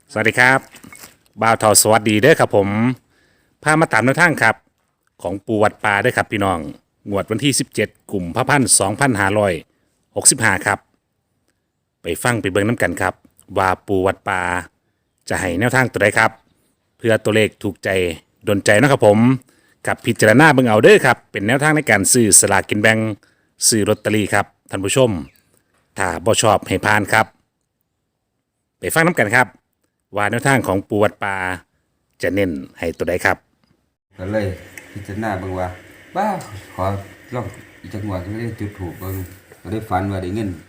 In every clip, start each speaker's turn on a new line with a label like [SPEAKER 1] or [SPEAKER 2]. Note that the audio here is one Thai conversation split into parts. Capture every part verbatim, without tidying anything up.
[SPEAKER 1] สวัสดีครับบ่าวทอสวัสดีเด้อครับผมพามาตามแนวทางครับของปูวัดป่าเด้อครับพี่น้องงวดวันที่สิบเจ็ดกลุ่มพระพันสองพันห้าร้อยหกสิบห้าครับไปฟังไปเบิ่งน้ำกันครับว่าปูวัดป่าจะให้แนวทางตัวใดครับเพื่อตัวเลขถูกใจดนใจเนาะครับผมกับพิจารณาเบิ่งเอาเด้อครับเป็นแนวทางในการซื้อสลากกินแบ่งซื้อลอตเตอรี่ครับท่านผู้ชมถ้าบ่ชอบให้ผ่านครับไปฟังน้ำกันครับว่าแนวทางของปูวัดป่าจะเน้นให้ตัวใดครับ
[SPEAKER 2] ก็เลยพิจารณาเบิ่งว่าบ้าขอลองอีกจังหวะก็ได้จุดถูกเบิ่งก็ได้ฝันว่าได้เงิน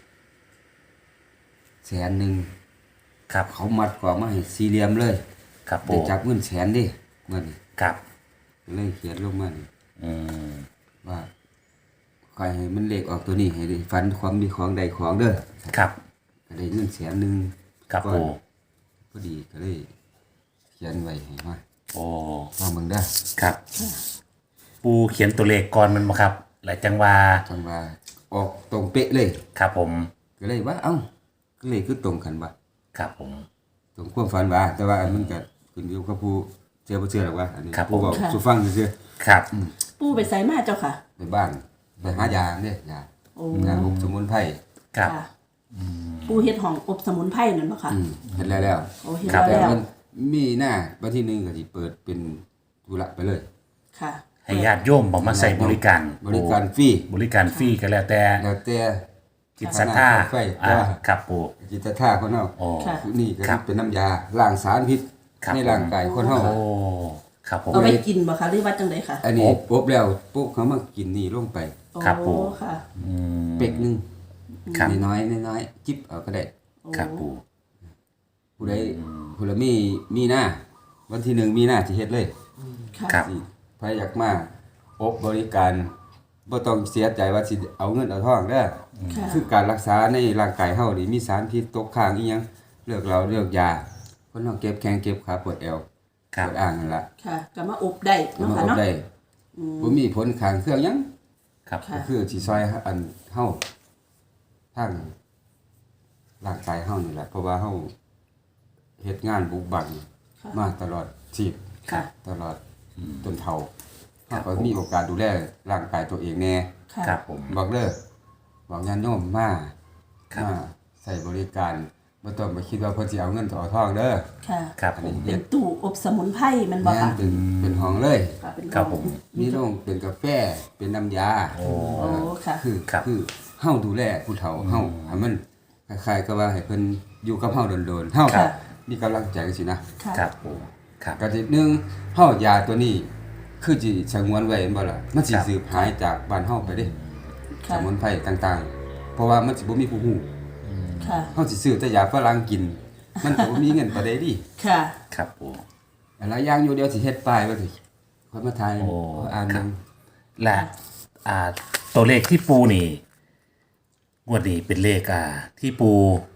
[SPEAKER 2] แสนหนึ่ง
[SPEAKER 1] ครับ
[SPEAKER 2] เขามัดกว่ามาให้สี่เหลี่ยมเลย
[SPEAKER 1] ครับปู
[SPEAKER 2] ได้จับเงินแสนดิเงิน
[SPEAKER 1] ครับ
[SPEAKER 2] ก็เลยเขียนลงมานี่
[SPEAKER 1] อืม
[SPEAKER 2] ว่าใครให้มันเลขออกตัวนี้ให้ได้ฝันความมีของใดของเด้อ
[SPEAKER 1] ครับ
[SPEAKER 2] ก็ได้เงินแสนหนึ่ง
[SPEAKER 1] ครับปู
[SPEAKER 2] พอดีก็เลยเขียนไว้ให้มา
[SPEAKER 1] โอ้
[SPEAKER 2] ลองเบิ่งเด้อ
[SPEAKER 1] ครับปูเขียนตัวเลขก่อนมันบ่ครับหลายจังว่า
[SPEAKER 2] จังว่าออกตรงเป๊ะเลย
[SPEAKER 1] ครับผม
[SPEAKER 2] ก็เลยว่าเอ้าก็เลยคือตรงกันบ่
[SPEAKER 1] ครับผม
[SPEAKER 2] ตรงความฝันว่าแต่ว่ามันก็ขึ้นอยู่กับผู้เชื่อบ่เชื่อหรอกว่าอันนี้ผู้บอก
[SPEAKER 3] ค่ะ
[SPEAKER 2] สู่ฟังซื่อ
[SPEAKER 1] ครับ
[SPEAKER 3] ปู่ไปไสมาเจ้าค่ะ
[SPEAKER 2] ๆในบ้านไปหายาเด้ยา
[SPEAKER 3] โอ้
[SPEAKER 2] ยาอบสมุนไพร
[SPEAKER 1] ครับ
[SPEAKER 3] ค่ะปู่เฮ็ดห้องอบสมุนไพรนั่นบ่ค่ะ
[SPEAKER 2] อืมเฮ็ดแล้วแล้ว
[SPEAKER 3] โอ้เฮ็ด
[SPEAKER 1] ครับ
[SPEAKER 2] แต่
[SPEAKER 3] แล้ว
[SPEAKER 2] มันมีหน้าวันที่หนึ่งก็สิเปิดเป็นธุระไปเลย
[SPEAKER 3] ค่ะ
[SPEAKER 1] ให้ญาติโยมบอกมาใส่บริการ
[SPEAKER 2] บริการฟรี
[SPEAKER 1] บริการฟรีก็แล้วแต่
[SPEAKER 2] แล้วแต่
[SPEAKER 1] จิตศรัทธา
[SPEAKER 2] ไฟ
[SPEAKER 1] อ่าครับปู
[SPEAKER 2] จิตท่าคนเฮา
[SPEAKER 1] โอ้
[SPEAKER 3] ค่ะ
[SPEAKER 2] นี่ก็
[SPEAKER 1] ครับ
[SPEAKER 2] เป็นน้ำยาล้างสารพิษ
[SPEAKER 1] ครับ
[SPEAKER 2] ในร่างกายคนเฮา
[SPEAKER 1] โอ้ครับผม
[SPEAKER 3] เอาไปกินบ่คะหรือว่าจังไดค่ะ
[SPEAKER 2] อันนี้ปุ๊บแล้วปุ๊บเขามากินนี่ลงไป
[SPEAKER 1] ครับปู่
[SPEAKER 3] โอ้ค่ะ
[SPEAKER 1] อืม
[SPEAKER 2] เป็กหนึง
[SPEAKER 1] ครับ
[SPEAKER 2] น้อยๆน้อยๆจิบเอาก็ได้
[SPEAKER 3] โอ้
[SPEAKER 1] ครับปู
[SPEAKER 2] ผู้ใดผู้ละมีมีหน้าวันที่หนึ่งมีหน้าสิเฮ็ดเลย
[SPEAKER 3] ค่ะ
[SPEAKER 1] ครับ
[SPEAKER 2] สิใครอยากมาอบบริการบ่ต้องเสียใจว่าสิเอาเงินเอาทองเด้อ
[SPEAKER 3] ค่ะ
[SPEAKER 2] คือการรักษาในร่างกายเฮานี่มีสารพิษตกค้างอีหยังเลือกเราเลือกยาคนเฮาเก็บแข้งเก็บขาปวดเอว
[SPEAKER 1] ครั
[SPEAKER 2] ป
[SPEAKER 1] บ
[SPEAKER 2] วดอ่างนั่นล่ะ
[SPEAKER 3] ค่ะก็มาอบได้
[SPEAKER 2] ก็
[SPEAKER 3] เนาะ
[SPEAKER 2] มา
[SPEAKER 3] ค่ะ
[SPEAKER 2] อบ
[SPEAKER 3] เนาะ
[SPEAKER 2] ได้บ่มีผลข้างเคียงหยัง
[SPEAKER 1] ครับ
[SPEAKER 3] ค่ะ
[SPEAKER 2] ก็คือสิซอยอันเฮาทางร่างกายเฮานี่แหละเพราะว่าเฮาเฮ็ดงานบุกบั่น
[SPEAKER 3] ค่ะ
[SPEAKER 2] มาตลอดชีพ
[SPEAKER 3] ค่ะ
[SPEAKER 2] ตลอดจนเฒ่า
[SPEAKER 1] ครั
[SPEAKER 2] เฮา
[SPEAKER 1] บ
[SPEAKER 2] ก็มีโอกาสดูแลร่างกายตัวเองแน่
[SPEAKER 3] ค่ะ
[SPEAKER 1] ครับผม
[SPEAKER 2] บอกเด้อบอกญาติโยมมา
[SPEAKER 1] ครับ
[SPEAKER 2] มาใส่บริการบ่ต้องไปคิดว่าเพิ่นสิเอาเงินต่อทองเด้อ
[SPEAKER 3] ค่ะ
[SPEAKER 1] ครับผม
[SPEAKER 3] เป็นตู้อบสมุนไพรแมันบ่
[SPEAKER 2] แม่น
[SPEAKER 3] ค่ะ
[SPEAKER 2] เป็นเป็นห้องเลย
[SPEAKER 3] ค่ะเป็น
[SPEAKER 1] ครับผม
[SPEAKER 2] มีโรงเป็นกาแฟเป็นน้ำยา
[SPEAKER 1] โอ้
[SPEAKER 3] โอ้ค่ะ
[SPEAKER 2] คือ
[SPEAKER 1] ครับ
[SPEAKER 2] คือเฮาดูแลผู้เฒ่าเฮาให้มันคล้ายๆกับว่าให้เพิ่นอยู่กับเฮาโดนๆเฮา
[SPEAKER 3] ค่ะ
[SPEAKER 2] มีกำลังใจจังซี่นะ
[SPEAKER 3] ค่ะ
[SPEAKER 1] ครับปูครับ
[SPEAKER 2] ก็ทีหนึงเฮายาตัวนี้ คือสิสงวนไว้แม่นบ่ล่ะมันสิ
[SPEAKER 1] ครับ
[SPEAKER 2] สืบหายจากบ้านเฮาไปเด้ส
[SPEAKER 3] ค่ะ
[SPEAKER 2] มุนไพรต่างๆ เพราะว่ามันสิบ่มีผู้ฮู้
[SPEAKER 3] ค่ะ
[SPEAKER 2] เฮาสิซื้อแต่ยาฝรั่งกิน มันก็บ่มีเงินปานใดดิ
[SPEAKER 3] ค่ะ
[SPEAKER 1] ครับปู
[SPEAKER 2] หลายอย่างอยู่เดียวสิเฮ็ดป้ายไว้สิค่อยมาถ่าย
[SPEAKER 1] โอ้
[SPEAKER 2] อ่าน
[SPEAKER 1] ครั
[SPEAKER 2] นำ
[SPEAKER 1] บ และอ่าตัวเลขที่ปูนี่งวดนี้เป็นเลขอ่าที่ปู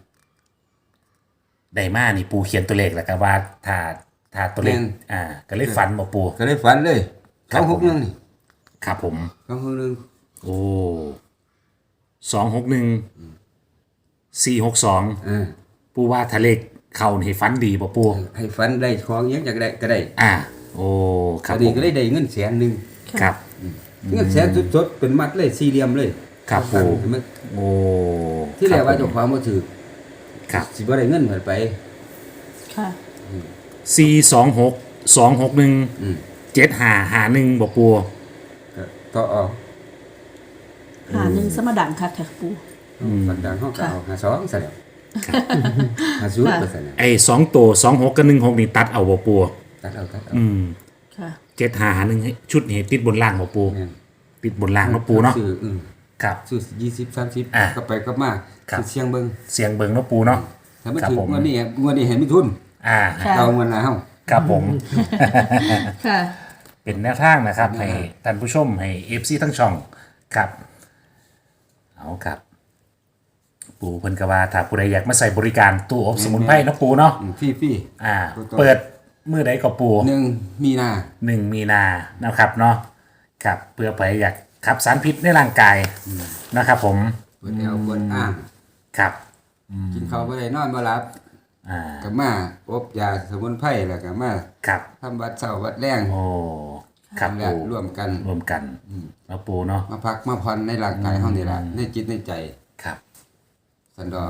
[SPEAKER 1] ไดมานี่ปูเขียนตัวเลขแล้วก็ว่าถ้าถ้าตัวเลขอ่าก็เลยฝันบ่ปู
[SPEAKER 2] ก็เลยฝันเลย
[SPEAKER 1] ครับ
[SPEAKER 2] สองหกหนึ่งนี่
[SPEAKER 1] ครับผม
[SPEAKER 2] สองหกหนึ่ง
[SPEAKER 1] โอ้สองหกหนึ่งสี่หกสอง
[SPEAKER 2] เออ
[SPEAKER 1] ปูว่าทะเลขเขานี่ให้ฝันดีป่ะปู
[SPEAKER 2] ให้ฝันได้ของหยังอยากได้ก็ได้
[SPEAKER 1] อ่า โอ้ค
[SPEAKER 2] ค
[SPEAKER 1] รั
[SPEAKER 2] รั
[SPEAKER 1] บบ ผ
[SPEAKER 2] นี้
[SPEAKER 1] ม
[SPEAKER 2] ก็เลยได้เงินแสนหนึง
[SPEAKER 1] ครับ
[SPEAKER 2] เงินแสนสดๆเป็นมัดเลยสี่เหลี่ยมเลย
[SPEAKER 1] ครับปู
[SPEAKER 2] มัน
[SPEAKER 1] โอ้
[SPEAKER 2] ที่แรกว่า
[SPEAKER 1] ค
[SPEAKER 2] เจ้า
[SPEAKER 1] บ
[SPEAKER 2] ของบ่ถือ
[SPEAKER 1] ครับ
[SPEAKER 2] สิบ่ได้เงินเพิ่นไป
[SPEAKER 3] ค่ะ
[SPEAKER 1] สี่สองหกสองหกหนึ่ง
[SPEAKER 2] อืม
[SPEAKER 1] เจ็ดห้าห้าหนึ่งบ่ปู
[SPEAKER 2] ก็ต่อออก
[SPEAKER 3] หาหนึ่งสมดังค่ะค่ะปู่
[SPEAKER 2] ฝันดังเฮาก็เอาหาสองซะแล้วหาศูนย์ไปซะแล้ว
[SPEAKER 1] ไอ้สองตัวสองหกกับหนึ่งหกนี่ตัดเอาบ่ปู
[SPEAKER 2] ตัดเอาตัดเอา
[SPEAKER 1] อืม
[SPEAKER 3] ค่ะ
[SPEAKER 1] เจ็ดห้าห้าหนึ่งชุดนี้ติดบนล่างบ่ปู
[SPEAKER 2] แม่น
[SPEAKER 1] ติดบนล่างเนาะปูเนาะ
[SPEAKER 2] ซื้ออืม
[SPEAKER 1] ครับ
[SPEAKER 2] ซื้อยี่สิบ สามสิบ
[SPEAKER 1] อ่ะ
[SPEAKER 2] ก็ไปก็มา
[SPEAKER 1] ครับ
[SPEAKER 2] สิเชียงเบิ่ง
[SPEAKER 1] เสียงเบิงเนาะปูเนาะ
[SPEAKER 2] ถ้ามัน
[SPEAKER 1] ครับ
[SPEAKER 2] ถึง
[SPEAKER 1] ผม
[SPEAKER 2] งวดนี้งวดนี้เห็นมีทุน
[SPEAKER 1] อ่า
[SPEAKER 3] ค่ะ
[SPEAKER 2] เอาเงินแล้ว
[SPEAKER 1] ครับผม
[SPEAKER 3] ค่ะ
[SPEAKER 1] เป็นแนวทางนะครับ ให้ท่านผู้ชมให้เอฟซีทั้งช่องครับ เอาครับ ปูเพิ่นกว่าถ้าผู้ใดอยากมาใส่บริการตู้อบสมุนไพรเนาะปูเนาะ
[SPEAKER 2] อืมฟรี
[SPEAKER 1] อ่า
[SPEAKER 2] ถูกต้อง
[SPEAKER 1] เปิดมือใดก็ปู
[SPEAKER 2] ๆหนึ่งมีนา
[SPEAKER 1] หนึ่งมีนานะครับเนาะครับเพื่อไปอยากขับสารพิษในร่างกายนะครับผม
[SPEAKER 2] เปิดแอลเปิดอ่าง
[SPEAKER 1] ครับ
[SPEAKER 2] กินข้าวบ่ได้นอนบ่หลับ
[SPEAKER 1] อ่า
[SPEAKER 2] ก็มาอบยาสมุนไพรแล้วก็มา
[SPEAKER 1] ครับ
[SPEAKER 2] ทำวัดเช้าวัดแรง
[SPEAKER 1] โอ้ครับ
[SPEAKER 2] นั่นแหละ
[SPEAKER 1] ปู
[SPEAKER 2] ร่วมกัน
[SPEAKER 1] รวมกันแล้วปูเนาะ
[SPEAKER 2] มาพักมาผ่อนในร่างกายเฮานี่ล่ะในจิตในใจ
[SPEAKER 1] ครับ
[SPEAKER 2] สันดอก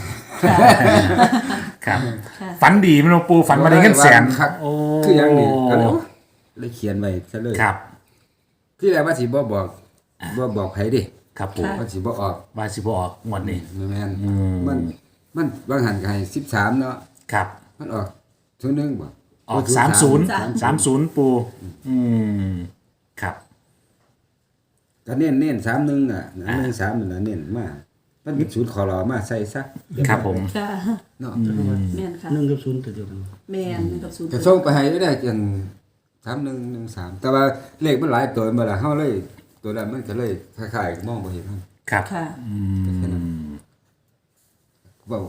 [SPEAKER 1] ครับฝันดีมั้ยหลวงปู่ฝันมาได้เงินแสน
[SPEAKER 2] ครับ
[SPEAKER 1] โอ้
[SPEAKER 2] คือหยังนี่ก็เลยเลยเขียนไว้ซะเลย
[SPEAKER 1] ครับ
[SPEAKER 2] ที่แรกว่าสิบ่บอกบ่บอกไผดิ
[SPEAKER 1] ครับปู่
[SPEAKER 2] ว่าสิบ่ออก
[SPEAKER 1] ว่าสิบ่ออกงวดนี้
[SPEAKER 2] แม่นมันมันบางหันก็ให้สิบสามเนาะ
[SPEAKER 1] ครับ
[SPEAKER 2] มันออกศูนย์หนึ่งบ่
[SPEAKER 1] ออกสามศูนย์สามศูนย์ปูอืมครับ
[SPEAKER 2] ก็เน้นเน้นสามหนึ่งอ่ะหนึ่งสามนั่นน่ะเน้นมามันเป็นศูนย์ขอรอมาใส่ซะ
[SPEAKER 1] ครับผม
[SPEAKER 3] ค่ะ
[SPEAKER 2] เนาะ
[SPEAKER 3] แม่นค่ะ
[SPEAKER 4] หนึ่งกับศูนย์ตัวเดียวกัน
[SPEAKER 3] แม่นหนึ่งกับศูนย์
[SPEAKER 2] ก็ส่งไปให้ได้จนสามหนึ่งหนึ่งสามแต่ว่าเลขมันหลายตัวมาละเฮาเลย ตัวนั้นมันก็เลยคล้ายๆมองบ่เห็นมัน
[SPEAKER 1] ครับ
[SPEAKER 3] ค่ะ
[SPEAKER 2] แค่นั้นเว้า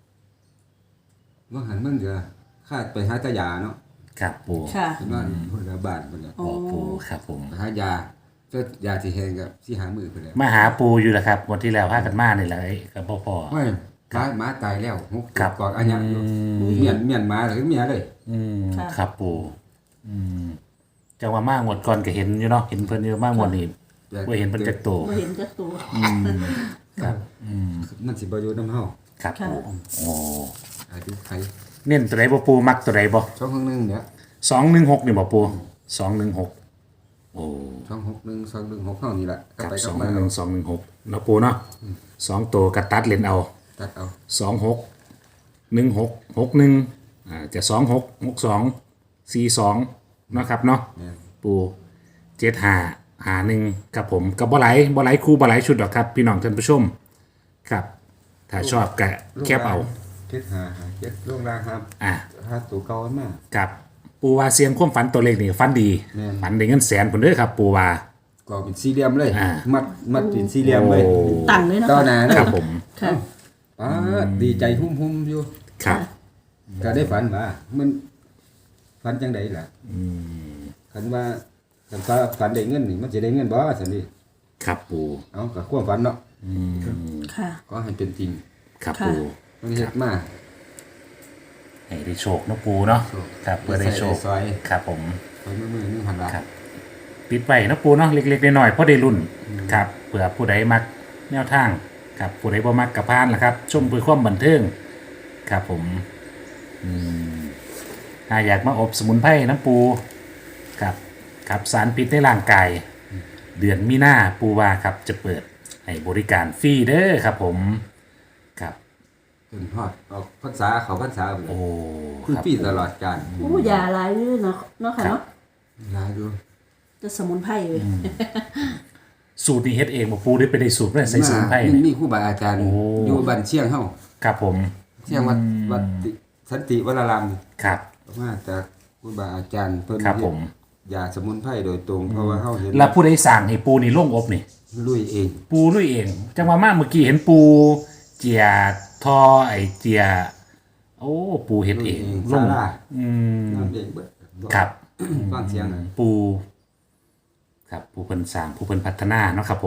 [SPEAKER 2] ว่าหันมันก็คาดไปหาตายาเนาะ
[SPEAKER 1] ครับปู
[SPEAKER 3] ค่ะ
[SPEAKER 2] เห็นว่าคนละบ้านเพิ่นน่ะ
[SPEAKER 1] โอ้ปูครับผม
[SPEAKER 2] ไปหายาก็ยาที่แห้งกับสิหามือเพิ่นแหละ
[SPEAKER 1] มาหาปูอยู่แหละครับวันที่แล้วพากันมานี่แหละไอ้กับพ่อพ่อ
[SPEAKER 2] ไม่หมาหมาตายแล้วหก
[SPEAKER 1] ครับ
[SPEAKER 2] กอกอันยังอยู่เมียนเมียนหมาหรือเมียเลย
[SPEAKER 1] อืม
[SPEAKER 3] ค่ะ
[SPEAKER 1] ครับปูอืมจังว่ามางวดก่อนก็เห็นอยู่เนาะเห็นเพิ่นอยู่มางวดนี้ว่าเห็นเพิ่นจักโต
[SPEAKER 3] บ่เห็นจักตัว
[SPEAKER 1] ครับอืม
[SPEAKER 2] มันสิบ่อยู่นำเฮา
[SPEAKER 1] ครับ
[SPEAKER 3] ค่ะ
[SPEAKER 1] ปูโอ้
[SPEAKER 2] อายุไข
[SPEAKER 1] เน้นตัวใดบ่ปูมักตัวใดบ่
[SPEAKER 2] ช่องข้างหนึงเนี่ย
[SPEAKER 1] สองหนึ่งหกนี่บ่ปูสองหนึ่งหกโอ้
[SPEAKER 2] ช่องหกหนึ่งสองหนึ่งหกเฮานี่แหละก็
[SPEAKER 1] กับ
[SPEAKER 2] ไป
[SPEAKER 1] ส
[SPEAKER 2] กั
[SPEAKER 1] อบ ง
[SPEAKER 2] มา
[SPEAKER 1] หนึ่งสองหนึ่งหกเนาะปูเนาะสองตัวกระตัดเลนเอา
[SPEAKER 2] ตัดเอา
[SPEAKER 1] สองหกหนึ่งหกหกหนึ่งอ่าจะสองหกหกสองสี่สองนะครับเนาะ
[SPEAKER 2] เนี่ย
[SPEAKER 1] ปูเจ็ดหาหาหนึ่งกับผมกับบ่ไหลบ่ไหลคู่บ่ไหลชุดหรอกครับ พี่น้องท่านผู้ชมครับ ถ้าชอบก็แคบเอา
[SPEAKER 2] เจ็ดหาหาเจ็ดล่วงล่างครับ
[SPEAKER 1] อ่า
[SPEAKER 2] หาตัวเก่ามา
[SPEAKER 1] กับปูวาเสียงความฝันตัวเลขนี่ฝันดี
[SPEAKER 2] แม่น
[SPEAKER 1] ฝันได้เงินแสนผลเด้อครับปูวา
[SPEAKER 2] ก็เป็นสี่เหลี่ยมเลย
[SPEAKER 1] อ่า
[SPEAKER 2] มัดมัดเป็นสี่เหลี่ยมเลย
[SPEAKER 1] โอ้
[SPEAKER 3] ตั้งเลยเนาะ
[SPEAKER 2] ต่อ
[SPEAKER 3] ค่ะ
[SPEAKER 2] หน้าเลย
[SPEAKER 1] ครับผม
[SPEAKER 3] ค่ะ
[SPEAKER 2] ป้าดดีใจหุ่มๆอยู่
[SPEAKER 1] ครับ
[SPEAKER 2] ก็ได้ฝันว่ามันฝันจังไดล่ะคันว่าคันว่าฝันได้เงินนี่มันสิได้เงินบ่ซั่นดิ
[SPEAKER 1] ครับปู
[SPEAKER 2] เอาก็ความฝันเนาะ
[SPEAKER 3] ค่ะ
[SPEAKER 2] ก็ให้เป็นจริง
[SPEAKER 1] ครับ
[SPEAKER 3] ค่ะ
[SPEAKER 1] ปู
[SPEAKER 2] มันเฮ็ดมา
[SPEAKER 1] ให้ได้โชคเนาะปูเนาะ
[SPEAKER 2] โชค
[SPEAKER 1] ครับเพื่อได้โชค
[SPEAKER 2] ได้ซอย
[SPEAKER 1] ครับผม
[SPEAKER 2] ไปมือๆนึงพันบาท
[SPEAKER 1] ครับปิดไว้เนาะปูเนาะเล็กๆน้อยๆพอได้รุ่นครับเผื่อผู้ใดมักแนวทางครับผู้ใดบ่มักกระพานล่ะครับ ชมเพื่อความบันเทิงครับผมอืมถ้าอยากมาอบสมุนไพรน้ำปูครับครับสารพิษในร่างกาย เดือนมีนาปูว่าครับจะเปิดให้บริการฟรีเด้อครับผมครับ
[SPEAKER 2] จนฮอดออกพรรษาเขาพรรษาไปเล
[SPEAKER 1] โอ้
[SPEAKER 2] ยคือ
[SPEAKER 1] ครับ
[SPEAKER 2] ปีตลอดกาล
[SPEAKER 3] โอ้ยาหลายอยู่เนาะเนาะค่ะเนาะ
[SPEAKER 2] หลายอยู่
[SPEAKER 3] จะสมุนไพรเลย
[SPEAKER 1] สูตรนี้เฮ็ดเองบ่ปูได้ไปได้สูตรมาใส่สมุนไพร
[SPEAKER 2] มี
[SPEAKER 1] เนี่ย
[SPEAKER 2] มีครูบาอาจารย์
[SPEAKER 1] โอ้
[SPEAKER 2] อยู่บ้านเชียงเฮา
[SPEAKER 1] ครับผม
[SPEAKER 2] เชียงวัดวัดติสันติวราราม
[SPEAKER 1] ครับ
[SPEAKER 2] มาจากครูบาอาจารย์เพิ่น
[SPEAKER 1] ครับผม
[SPEAKER 2] ยาสมุนไพรโดยตรงเพราะว่าเฮาเห็น
[SPEAKER 1] แล้วผู้ใดสั่งให้ปูนี่ลงอบนี่
[SPEAKER 2] ลุยเอง
[SPEAKER 1] ปูด้วยเอง จังว่ามาเมื่อกี้เห็นปูเจียทอไอเจีย โอ้ปูเห็นเองล
[SPEAKER 2] ซาง ร่า
[SPEAKER 1] อืม
[SPEAKER 2] น้ำเองเบิด
[SPEAKER 1] ครับ
[SPEAKER 2] ฟังเสียงน่ะ
[SPEAKER 1] ปู ครับปูเพิ่นสร้างปูเพิ่นพัฒนาเนาะครับผม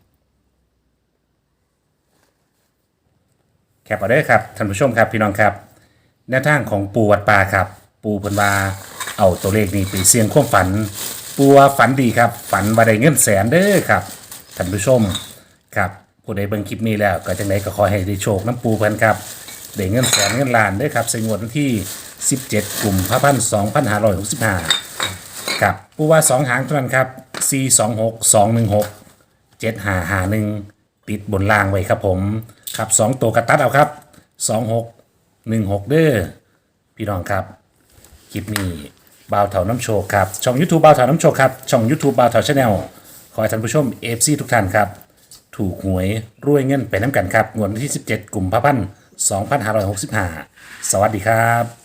[SPEAKER 1] แคปเอาเด้อครับท่านผู้ชมครับพี่น้องครับแนวทางของปูวัดป่าครับ ปูเพิ่นว่าเอาตัวเลขนี้ไปเสี่ยงความฝัน ปูว่าฝันดีครับ ฝันว่าได้เงินแสนเด้อครับท่านผู้ชมครับผู้ใดเบิ่งคลิปนี้แล้วก็จังไดก็ขอให้ได้โชคน้ำปูเพิ่นครับได้เงินแสนเงินล้านเด้อครับใส่งวดวันที่สิบเจ็ดกุมภาพันธ์สองพันห้าร้อยหกสิบห้าครับปูว่าสองหางเท่านั้นครับสี่สองหกสองหนึ่งหกเจ็ดห้าห้าหนึ่งติดบนล่างไว้ครับผมครับสองตัวกระตัดเอาครับสองหกหนึ่งหกเด้อพี่น้องครับ คลิปนี้บ่าวเถาน้ำโชคครับ ช่อง YouTube บ่าวเถาน้ำโชคครับ ช่อง YouTube บ่าวเถาชาแนลขอให้ท่านผู้ชม เอฟ ซี ทุกท่านครับ ถูกหวยรวยเงินไปน้ำกันครับงวดวันที่สิบเจ็ดกุมภาพันธ์สองพันห้าร้อยหกสิบห้าสวัสดีครับ